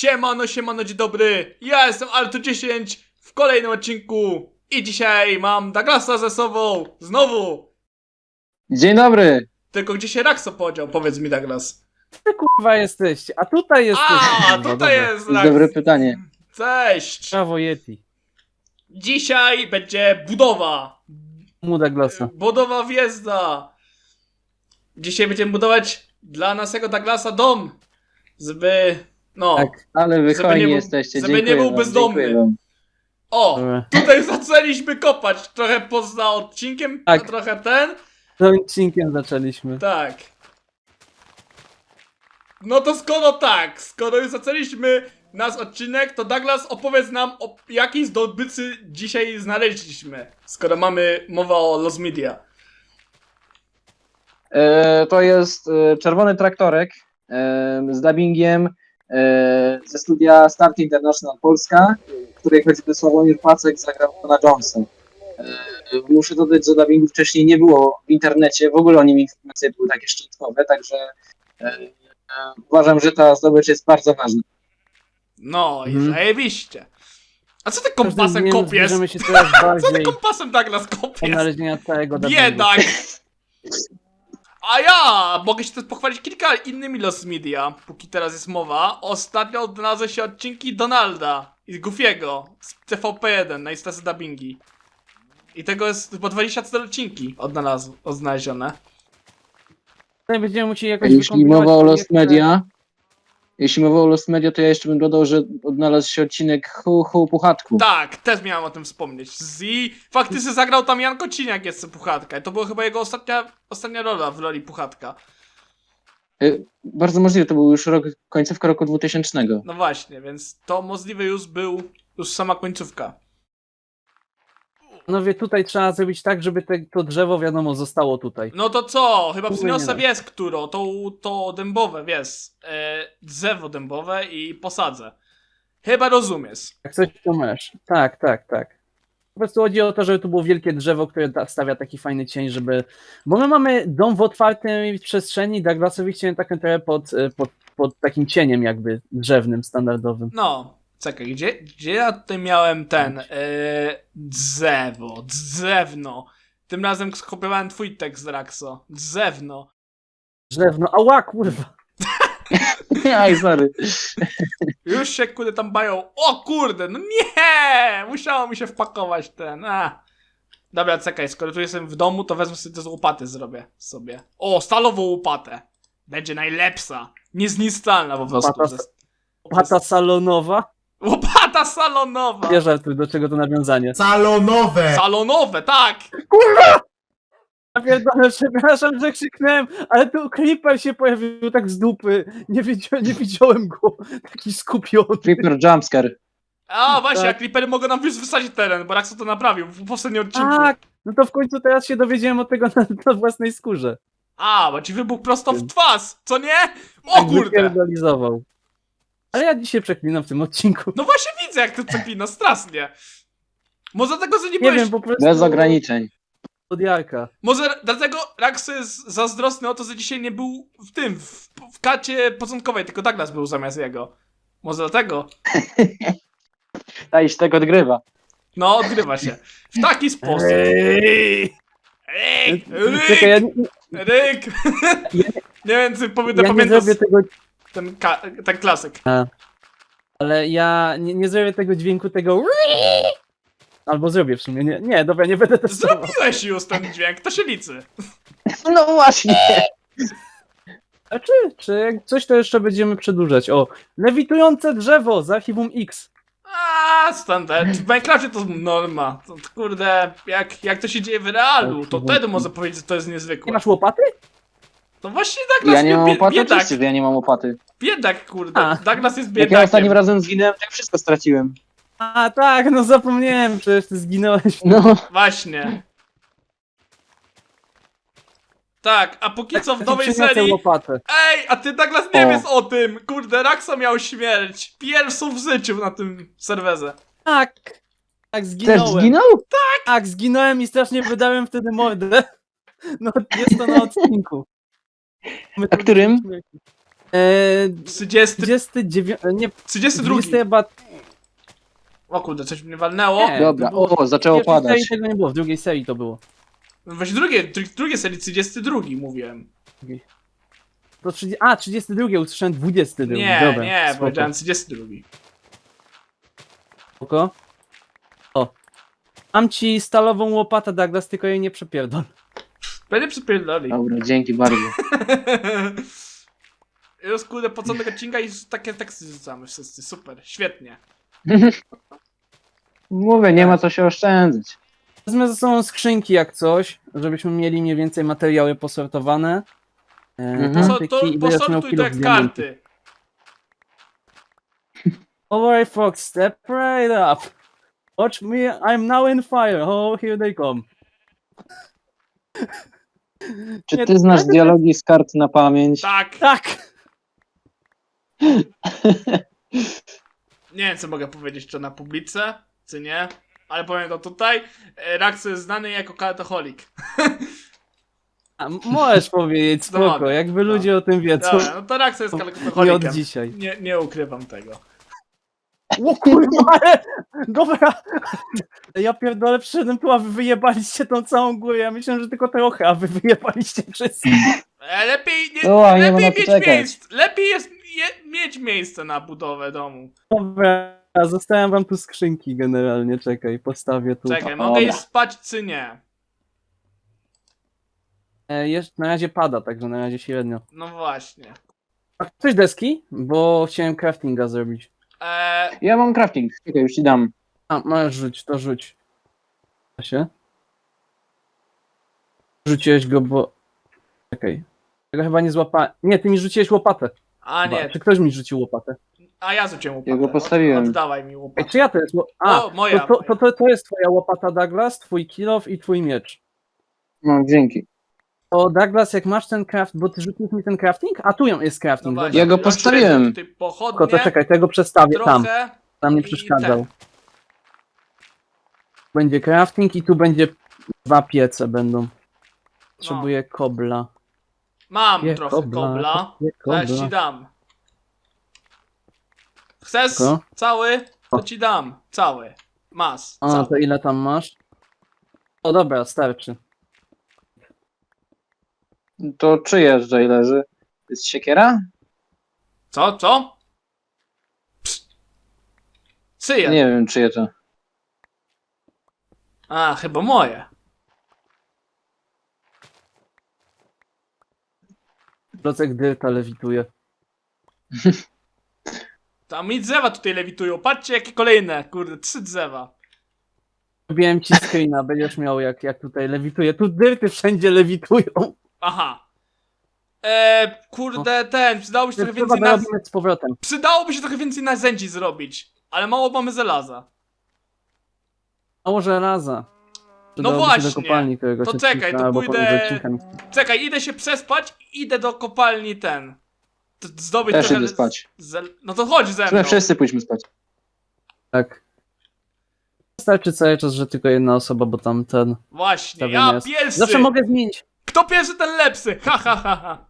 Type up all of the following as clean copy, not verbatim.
Siemano, siemano, dzień dobry. Ja jestem Alto10 w kolejnym odcinku. I dzisiaj mam Douglasa ze sobą. Znowu. Dzień dobry! Tylko gdzie się Raxo podział? Powiedz mi, Douglas. Ty kurwa jesteście, a tutaj jesteście. A, kurwa, tutaj dobra. jest To jest Rax. dobre pytanie. Cześć. Brawo Yeti. Dzisiaj będzie budowa. Muda glasa. Budowa wjezda. Dzisiaj będziemy budować dla naszego Douglasa dom. Żeby... No. Tak. Ale wy Żeby hojni nie był- jesteście, żeby dziękuję nie był wam, bezdomny. dziękuję wam. O, Dobra. tutaj zaczęliśmy kopać. Trochę poza odcinkiem, Tak. a trochę ten. Tym odcinkiem zaczęliśmy. Tak. No to skoro już zaczęliśmy nasz odcinek, to Douglas opowiedz nam, o jakiej zdobycy dzisiaj znaleźliśmy, skoro mamy mowa o Lost Media. To jest czerwony traktorek z dubbingiem ze studia Start International Polska, w której choćby Sławomir Pacek zagrał Pana Jonesa. Muszę dodać, że dubbingu wcześniej nie było w internecie, w ogóle o nim informacje były takie szczątkowe, także uważam, że ta zdobycz jest bardzo ważna. No i Mhm. zajebiście. A co ty Każdym kompasem dniem kopiesz? zbliżamy się coraz Co ty bardziej kompasem, Douglas, do kopiesz? znalezienia całego dubbingu. Biedak! A ja mogę się też pochwalić kilka innymi Lost Media, póki teraz jest mowa. Ostatnio odnalazły się odcinki Donalda i Goofiego z TVP1 na Instacy dubbingi. I tego jest chyba 24 odcinki odnalezione. Tutaj będziemy musieli jakoś Jeśli wykombinować mowa o Lost projekty. Media, to ja jeszcze bym dodał, że odnalazł się odcinek Hu Puchatku. Tak, też miałem o tym wspomnieć. I faktycznie zagrał tam Jan Kociniak jeszcze Puchatka. I to była chyba jego ostatnia rola w roli Puchatka. Bardzo możliwe, to był już końcówka roku 2000. No właśnie, więc to możliwe już był sama końcówka. No wie, tutaj trzeba zrobić tak, żeby to drzewo, wiadomo, zostało tutaj. No to co? Chyba Kurwa, przyniosę, nie wiesz, którą? To dębowe, wiesz. Drzewo dębowe i posadzę. Chyba rozumiesz. Jak coś to masz. Tak, tak, tak. Po prostu chodzi o to, żeby tu było wielkie drzewo, które stawia taki fajny cień, żeby... Bo my mamy dom w otwartej przestrzeni, Douglasowi chciałem taką trochę pod takim cieniem jakby drzewnym, standardowym. No, czekaj, gdzie ja tutaj miałem ten drzewno. Tym razem skopiowałem twój tekst, Raxo. Drzewno. Drzewno, ała kurwa! Aj, sorry. Już się kurde tam bają. O kurde, no nie! Musiało mi się wpakować ten. Dobra, czekaj, skoro tu jestem w domu, to wezmę sobie te z łopaty, zrobię sobie. O, stalową łopatę. Będzie najlepsza. Niezniszczalna po prostu. Łopata salonowa? Łopata salonowa! Nie żartuj, do czego to nawiązanie. Salonowe! Salonowe, tak! Ja pierdolę, przepraszam, że krzyknąłem, ale tu creeper się pojawił tak z dupy. Nie widziałem go. Taki skupiony. Creeper Jumpscare. A właśnie, Tak. a creepery mogą nam już wysadzić teren, bo Raxo to naprawił w poprzednim odcinku. Tak, no to w końcu teraz się dowiedziałem o tego na własnej skórze. A, bo ci wybuchł prosto w twarz, co nie? O Tak kurde! wypierdolizował. Ale ja dzisiaj przeklinam w tym odcinku. No właśnie widzę, jak to przeklina, strasznie. Może dlatego, że nie Nie byłeś... wiem, po prostu... Bez ograniczeń. Od Jarka. Może dlatego Raxo jest zazdrosny o to, że dzisiaj nie był w karcie początkowej, tylko Douglas był zamiast jego. Może dlatego? Ta iść tego odgrywa. No, odgrywa się. W taki sposób. Ej! Ryk! Czekaj, ja, Ryk! Nie wiem, czy ja nie pamiętasz zrobię tego... ten klasyk. Ale ja nie zrobię tego dźwięku, tego... Albo zrobię w sumie. Nie, dobra, nie będę testował. Zrobiłeś już ten dźwięk, to się liczy. No właśnie. A czy jak coś to jeszcze będziemy przedłużać? O, lewitujące drzewo z archiwum X. Standard. W Minecrafcie to norma. To, kurde, jak to się dzieje w realu, to wtedy może powiedzieć, że to jest Nie niezwykłe. masz łopaty? To właśnie Douglas Ja nie mam łopaty, biedak. oczywiście, że ja nie mam łopaty. Biedak, kurde. A. Douglas jest Jak ja ostatnim biedakiem. razem zginąłem, to ja wszystko straciłem. A tak, no zapomniałem, przecież ty zginąłeś. No, Właśnie. Tak, a póki co w nowej Przyniosę serii... łopatę. Ej, a ty Douglas nie O. wiesz o tym! Kurde, Raxo miał śmierć. Pierwszą w życiu na tym serwerze. Tak, też zginąłem. zginął? Tak, zginąłem i strasznie wydałem wtedy mordę. No, jest to na odcinku. A którym? 30, 39, nie, 32. 20 chyba... O kurde, coś mnie walnęło. Nie. Dobra, to było- o, zaczęło W pierwszej serii padać. tego nie było, w drugiej serii to było. Weź drugie serii, 32 mówiłem. To 32, usłyszałem 22. Nie, Dobra, nie, spoko. powiedziałem 32. Spoko. O. Mam ci stalową łopatę, Douglas, tylko jej nie przepierdol. Będę przypierdoli. Dobra, dzięki bardzo. Już kurde, po co tego odcinka i takie teksty rzucamy wszyscy, super, świetnie. Mówię, nie ma co się oszczędzać. Wezmę ze sobą skrzynki jak coś, żebyśmy mieli mniej więcej materiały posortowane. Mhm. To antyki i będziesz miał posortuj to jak kilo diamentów. karty. Alright, Fox, step right up. Watch me, I'm now in fire. Oh, here they come. Czy Nie, ty znasz tak, dialogi z kart na pamięć? Tak. Tak! Nie wiem co mogę powiedzieć, czy na publice, czy nie. Ale powiem to tutaj. Raxo jest znany jako kartoholik. A, możesz powiedzieć, No spoko, mogę. jakby ludzie o tym wiedzą. Dobra, no to Raxo jest Nie od kartoholikiem. dzisiaj. Nie ukrywam tego. O kurwa, ale... Dobra! Ja pierdolę, przyszedłem tu, a wy wyjebaliście tą całą górę. Ja myślałem, że tylko trochę, a wy wyjebaliście wszystko. Lepiej nie, O, nie ma lepiej na co mieć czekać. miejsce. Lepiej jest mieć miejsce na budowę domu. Dobra, zostawiam wam tu skrzynki generalnie, czekaj, postawię tu. Czekaj, Dobra. mogę iść spać czy nie? Jeszcze na razie pada, także na razie średnio. No właśnie. A ktoś deski? Bo chciałem craftinga zrobić. Ja mam crafting, czekaj, już ci dam. A, masz rzuć, to rzuć. Da się? Rzuciłeś go, bo... Czekaj. Tego chyba nie złapałem. Nie, ty mi rzuciłeś łopatę. A Chyba. nie, Czy ktoś mi rzucił łopatę? a ja rzuciłem łopatę. Ja go postawiłem. Oddawaj mi Ej, łopatę. czy ja to jest... A, O, moja. to jest twoja łopata, Douglas, twój kill off i twój miecz. No, dzięki. To Douglas, jak masz ten craft, bo ty rzuciłeś mi ten crafting? A tu jest crafting, No dobra. właśnie, Ja go mam postawiłem. średnio tutaj Tylko pochodnie, to czekaj, tego przestawię tam. trochę. Tam nie i przeszkadzał. ten. Będzie crafting i tu będzie 2 piece będą. Potrzebuję kobla. Mam Je, trochę kobla, kobla. je, Zaraz kobla. ci dam. Chcesz Tylko? cały? To O. ci dam. Cały. Masz. A, Cały. to ile tam masz? O dobra, starczy. To czyje tutaj leży? To jest siekiera? Co? Co? Czyje? Nie wiem, czyje to. A, chyba moje. Procek dyrta lewituje. Tam mi drzewa tutaj lewitują. Patrzcie jakie kolejne. Kurde, 3 drzewa. Robiłem ci screena, będziesz miał jak tutaj lewituje. Tu dyrty wszędzie lewitują. Aha. Kurde, przydałoby się trochę Trzeba więcej robimy z powrotem. Przydałoby się trochę więcej narzędzi zrobić. Ale mało mamy żelaza. Mało żelaza. No Przydałoby się właśnie. do kopalni któregoś To czekaj, odcinka, to albo pójdę- pomiędzy odcinkami. Czekaj, idę się przespać i idę do kopalni zdobyć Też trochę... idę spać. No to chodź ze mną. My wszyscy pójdźmy spać. Tak. Wystarczy cały czas, że tylko jedna osoba, bo tam ten... Właśnie, Stawiam ja jest. pierwszy! Zawsze mogę zmienić. Kto pierwszy, ten lepszy! Ha, ha, ha, ha.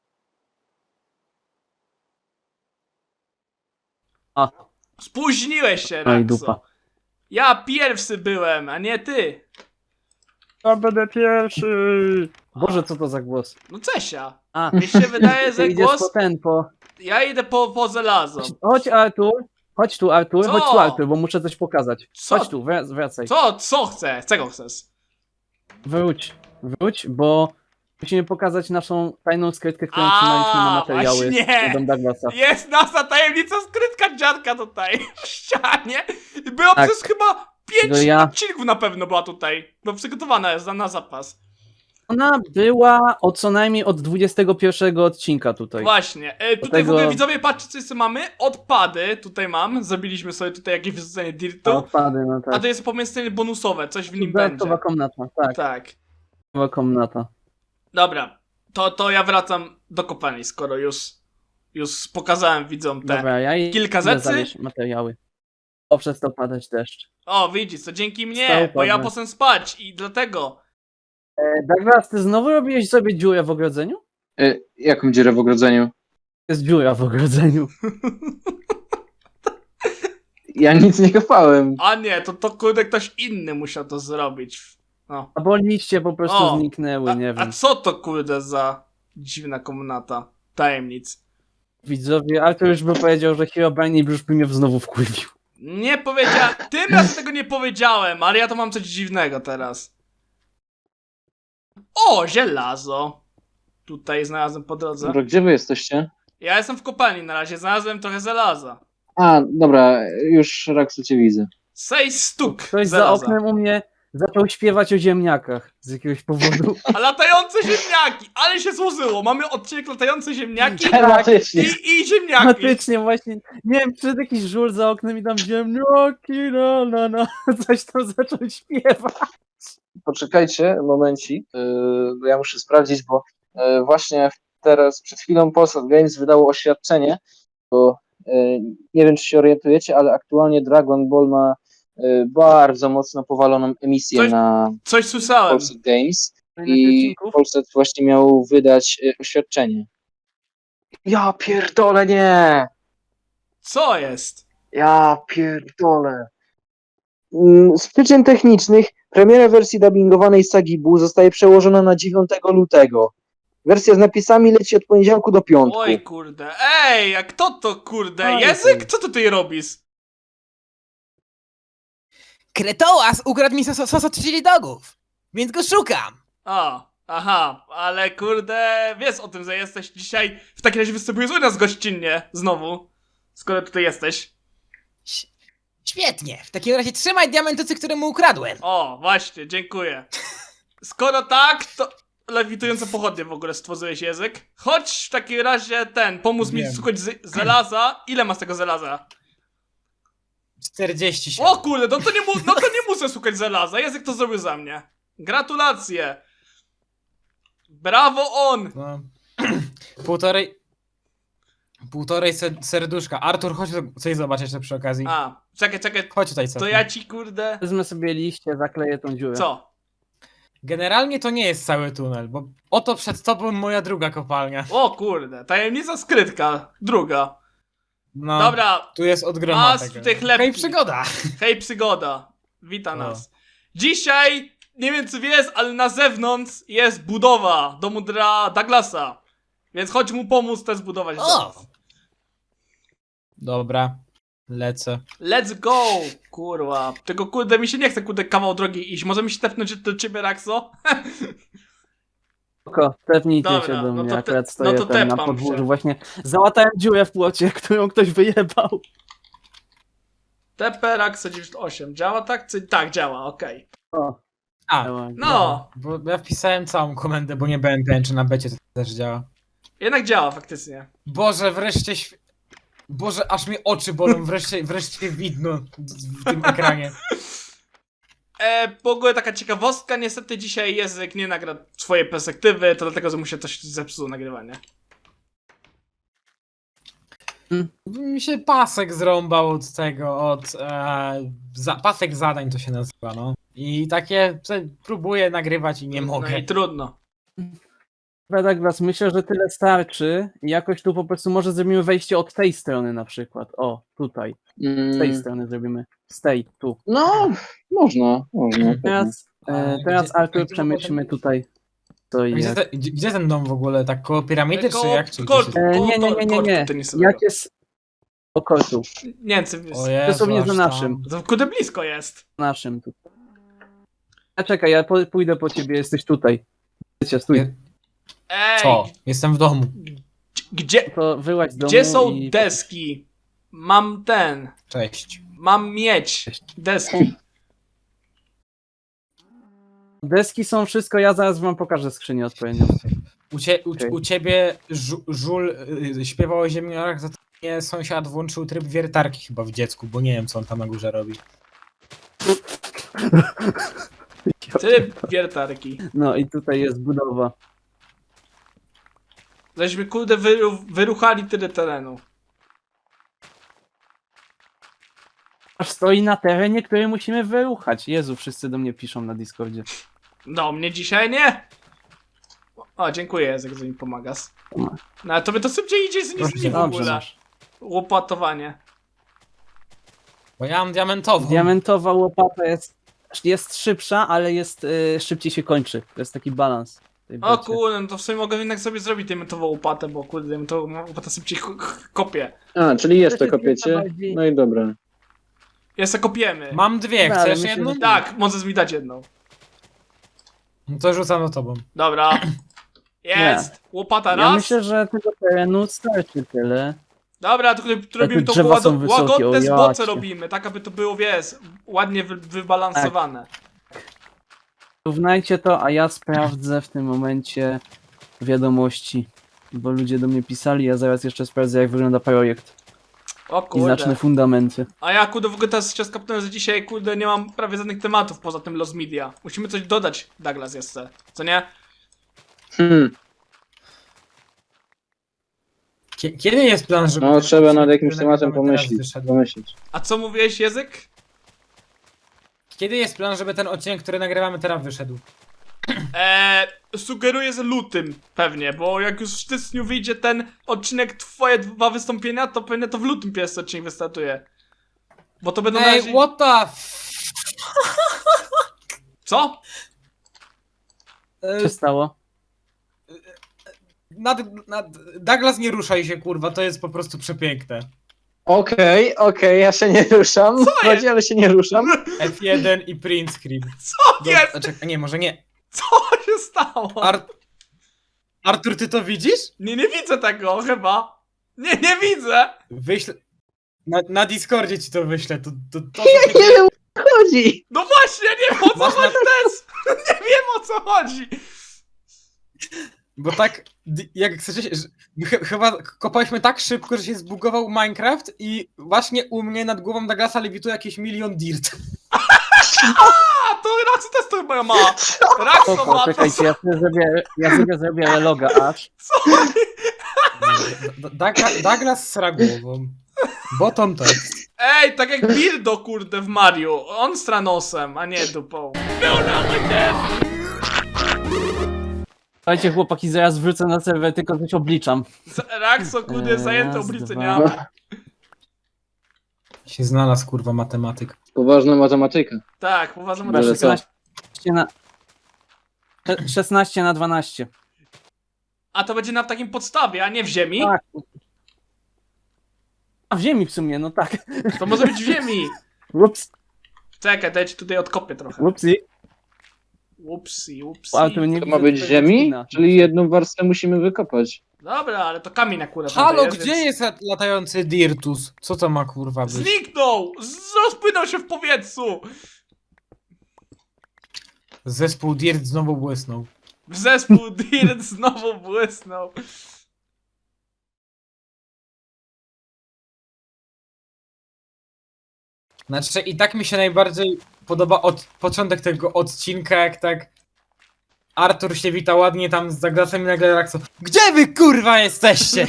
A, Spóźniłeś się, no i Raxo. dupa. Ja pierwszy byłem, a nie ty. Ja będę pierwszy. Boże, co to za głos? No Cesia. A, Mi się wydaje, ty że idziesz głos... po ten, po... Ja idę po żelazo. Chodź Artur, chodź tu Artur, Co? chodź tu Artur, bo muszę coś pokazać. Co? Chodź tu, wracaj. Co chcę? Czego chcesz? Wróć, bo musimy pokazać naszą tajną skrytkę, którą trzymaliśmy na materiały właśnie. z Dom Douglasa. Jest nasza tajemnica skrytka dziadka tutaj w ścianie. Było Tak. przez chyba 5 Że ja- odcinków na pewno była tutaj. Bo przygotowana jest na zapas. Ona była co najmniej od 21 odcinka tutaj. Właśnie. Tutaj Dlatego- w ogóle widzowie, patrzcie co jeszcze mamy. Odpady tutaj mam. Zrobiliśmy sobie tutaj jakieś wyrzucenie A dirtu. odpady, no A tak. to jest pomieszczenie bonusowe, coś w nim będzie. Dodatkowa komnata, tak. Tak. Dodatkowa komnata. Dobra. To ja wracam do kopalni, skoro już pokazałem widzom te. Dobra, ja i kilka idę rzeczy? zawieźć materiały. O, przestał padać deszcz. O, widzisz, to dzięki mnie, Stał bo ja padać. poszedłem spać i dlatego. Douglas, ty znowu robiłeś sobie dziurę w ogrodzeniu? Jaką dziurę w ogrodzeniu? Jest dziura w ogrodzeniu. Ja nic nie kopałem. A nie, to kurde ktoś inny musiał to zrobić. No. Albo liście po prostu O, zniknęły, nie A wiem. co to kurde za dziwna komnata tajemnic? Widzowie, Artur już by powiedział, że Herobrine już by mnie znowu wkurwił. Nie powiedziałem, tym razem tego nie powiedziałem, ale ja to mam coś dziwnego teraz. O, żelazo. Tutaj znalazłem po drodze. Dobra, gdzie wy jesteście? Ja jestem w kopalni na razie, znalazłem trochę żelaza. A, dobra, już Raksu cię widzę. Sej stuk Ktoś za żelaza. oknem u mnie zaczął śpiewać o ziemniakach z jakiegoś powodu. A latające ziemniaki, ale się złożyło. Mamy odcinek latające ziemniaki Tematycznie. i ziemniaki. Faktycznie właśnie, nie wiem, czy jakiś żul za oknem i tam ziemniaki, no, coś tam zaczął śpiewać. Poczekajcie momencik, bo ja muszę sprawdzić, bo właśnie teraz, przed chwilą Polsat Games wydało oświadczenie, bo nie wiem, czy się orientujecie, ale aktualnie Dragon Ball ma bardzo mocno powaloną emisję Coś- na Coś słyszałem. Polsat Games Ile i odcinków? Polsat właśnie miał wydać oświadczenie. Ja pierdolę, nie! Co jest? Ja pierdolę. Z przyczyn technicznych premiera wersji dubbingowanej sagi Buu zostaje przełożona na 9 lutego. Wersja z napisami leci od poniedziałku do piątku. Oj kurde. Ej, a kto to kurde? Oj, Język? ty. Co ty tutaj robisz? Kretołas ukradł mi sos od chili dogów, więc go szukam. Aha, ale kurde, wiesz o tym, że jesteś dzisiaj, w takim razie występujesz u nas gościnnie, znowu, skoro tutaj jesteś. Ś- Świetnie, w takim razie trzymaj diamentocy, które mu ukradłem. O, właśnie, dziękuję. Skoro tak, to lewitujące pochodnie w ogóle stworzyłeś język. Chodź w takim razie pomóż mi Wiem. szukać żelaza. Ile masz tego żelaza? 47. O kurde, no to nie muszę szukać żelaza, język to zrobił za mnie. Gratulacje. Brawo on. No. Półtorej serduszka. Artur, chodź coś zobaczyć jeszcze przy okazji. A, czekaj, Chodź tutaj co. to ja ci kurde... Wezmę sobie liście, zakleję tą dziurę. Co? Generalnie to nie jest cały tunel, bo oto przed tobą moja druga kopalnia. O kurde, tajemnica skrytka, druga. No, Dobra, tu jest od groma masz tego. tutaj chlebki. Hej, przygoda. Hej przygoda, wita O. nas. Dzisiaj, nie wiem czy wiesz, ale na zewnątrz jest budowa domu dla Douglasa. Więc chodź mu pomóc też zbudować dom. O! Dobra, lecę. Let's go, kurwa. Tylko kurde, mi się nie chce kurde kawał drogi iść. Możemy się tepnąć do ciebie, Raxo? Spoko, tepnijcie Dobra, się do no mnie, to akurat no stoję to tam na tepam podwórzu, się. właśnie załatałem dziurę w płocie, którą ktoś wyjebał. TP Raxo 98. Działa tak? Tak, działa, okej. O, A, działa. No, bo ja wpisałem całą komendę, bo nie byłem pewien, czy na becie to też działa. jednak działa faktycznie. Boże, wreszcie Boże, aż mi oczy bolą, wreszcie widno w tym ekranie. W ogóle taka ciekawostka, niestety dzisiaj język nie nagra swojej perspektywy, to dlatego, że mu się coś zepsuło nagrywanie. Mi się pasek zrąbał od tego, pasek zadań to się nazywa, no. I takie próbuję nagrywać i nie mogę. No i trudno. Dobra, Douglas, myślę, że tyle starczy i jakoś tu po prostu może zrobimy wejście od tej strony na przykład. O, tutaj, z tej strony zrobimy. Z tej, tu. No, można. Teraz, A teraz gdzie- Artur gdzie przemyślmy potem- tutaj co i Gdzie, jak. gdzie ten dom w ogóle? Tak koło piramidy, czy jak? Czy Kortu, gdzie się... Nie. tenisowego. Jak jest o kortu? Nie wiem, czy wiesz. O Jezu, Dosłownie aż za tam. naszym. To kurde blisko jest. Naszym tu. A czekaj, ja pójdę po ciebie, jesteś tutaj. Wiecie, stój. Nie. Ej, Co? Jestem w domu. gdzie, To wyłaź z domu gdzie są i... deski? Cześć. Mam mieć deski. Deski są wszystko, ja zaraz wam pokażę skrzynię odpowiednią. Okej. U ciebie żul śpiewał o ziemniarach, za to mnie sąsiad włączył tryb wiertarki chyba w dziecku, bo nie wiem co on tam na górze robi. Tryb wiertarki. No i tutaj jest budowa. Żeśmy kurde wyruchali tyle terenu. Aż stoi na terenie, który musimy wyruchać. Jezu, wszyscy do mnie piszą na Discordzie. Do mnie dzisiaj nie. O, dziękuję, Jezek, że mi pomagasz. No ale tobie to szybciej idzie niż mi w Dobrze ogóle. masz. Łopatowanie. Bo ja mam diamentową. Diamentowa łopata jest szybsza, ale jest szybciej się kończy. To jest taki balans. w tej O becie. kurde, no to w sumie mogę jednak sobie zrobić diamentową łopatę, bo kurde, diamentową łopatę szybciej kopie. A, czyli jeszcze To się kopiecie? bardziej- No i dobra. Jeszcze kopiemy. Mam dwie, Dobra, ale chcesz myślę, jedną? że- Tak, możesz mi dać jedną. No to rzucam do tobą. Dobra. Jest! Łopata Ja raz. myślę, że tego terenu starczy tyle. Dobra, tylko robimy to drzewa są wysokie, łagodne o zbocze jacie. robimy, tak aby to było, wiesz, ładnie wybalansowane. Równajcie to, a ja sprawdzę w tym momencie wiadomości. Bo ludzie do mnie pisali, ja zaraz jeszcze sprawdzę, jak wygląda projekt. O I zacznę kurde. fundamenty. A ja kurde w ogóle teraz się skapnąłem, że dzisiaj kurde nie mam prawie żadnych tematów poza tym Los Media. Musimy coś dodać, Douglas, jeszcze. Co nie? Kiedy jest plan, żeby... No ten trzeba nad odcinek, jakimś który tematem nagrywamy teraz, pomyśleć. wyszedł? pomyśleć. A co mówiłeś, Język? Kiedy jest plan, żeby ten odcinek, który nagrywamy teraz, wyszedł? Sugeruję, że lutym pewnie, bo jak już w styczniu wyjdzie ten odcinek, twoje dwa wystąpienia, to pewnie to w lutym pierwszy odcinek wystartuje. Bo to będą na Ej, razie... what the Co? Co się stało? Douglas, nie ruszaj się, kurwa, to jest po prostu przepiękne. Okej, ja się nie ruszam. Chodzi, ale się nie ruszam. F1 i print screen. Co jest? Czekaj, nie, może nie. Co się stało? Artur, ty to widzisz? Nie widzę tego chyba. Nie widzę. Wyślę... Na Discordzie ci to wyślę, to Nie wiem, o co chodzi. No właśnie, nie wiem o co Masz na- chodzi też. Nie wiem o co chodzi. Bo tak, jak chcecie, chyba kopaliśmy tak szybko, że się zbugował Minecraft i właśnie u mnie nad głową Douglasa lewituje jakieś milion dirt. A, to Raxo też to chyba ma. Raxo Spoko, ma to. czekajcie, ja sobie zrobię reloga aż. Douglas sra głową. Bottom text. Ej, tak jak Bildo kurde w Mario. On stranosem, a nie dupą. Słuchajcie chłopaki, zaraz wrócę na serwer, tylko coś obliczam. Raxo kurde jest zajęty Raz, obliczeniami. dwa. Się znalazł, kurwa, matematyk. Poważna matematyka. Tak, uważam, Chyba Ale że... co? 16 na 12. A to będzie na takim podstawie, a nie w ziemi? Tak. A w ziemi w sumie, no tak. To może być w ziemi. Ups, Czekaj, daj ci tutaj odkopię trochę. upsi. Upsi. Ale to nie To ma widzę być z twojego ziemi? skina. Czyli jedną warstwę musimy wykopać. Dobra, ale to kamień akurat. Halo, tutaj gdzie więc- jest latający Dirtus? Co to ma, kurwa, być? Zniknął! Rozpłynął się w powietrzu! Zespół Dirt znowu błysnął. Zespół Dirt znowu błysnął. Znaczy, i tak mi się najbardziej podoba początek tego odcinka, jak tak Artur się wita ładnie tam z Douglasem i nagle Raxo. Gdzie wy, kurwa, jesteście?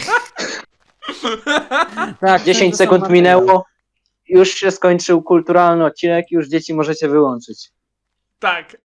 Tak, 10 to są sekund materiały. minęło. Już się skończył kulturalny odcinek, już dzieci możecie wyłączyć. Tak.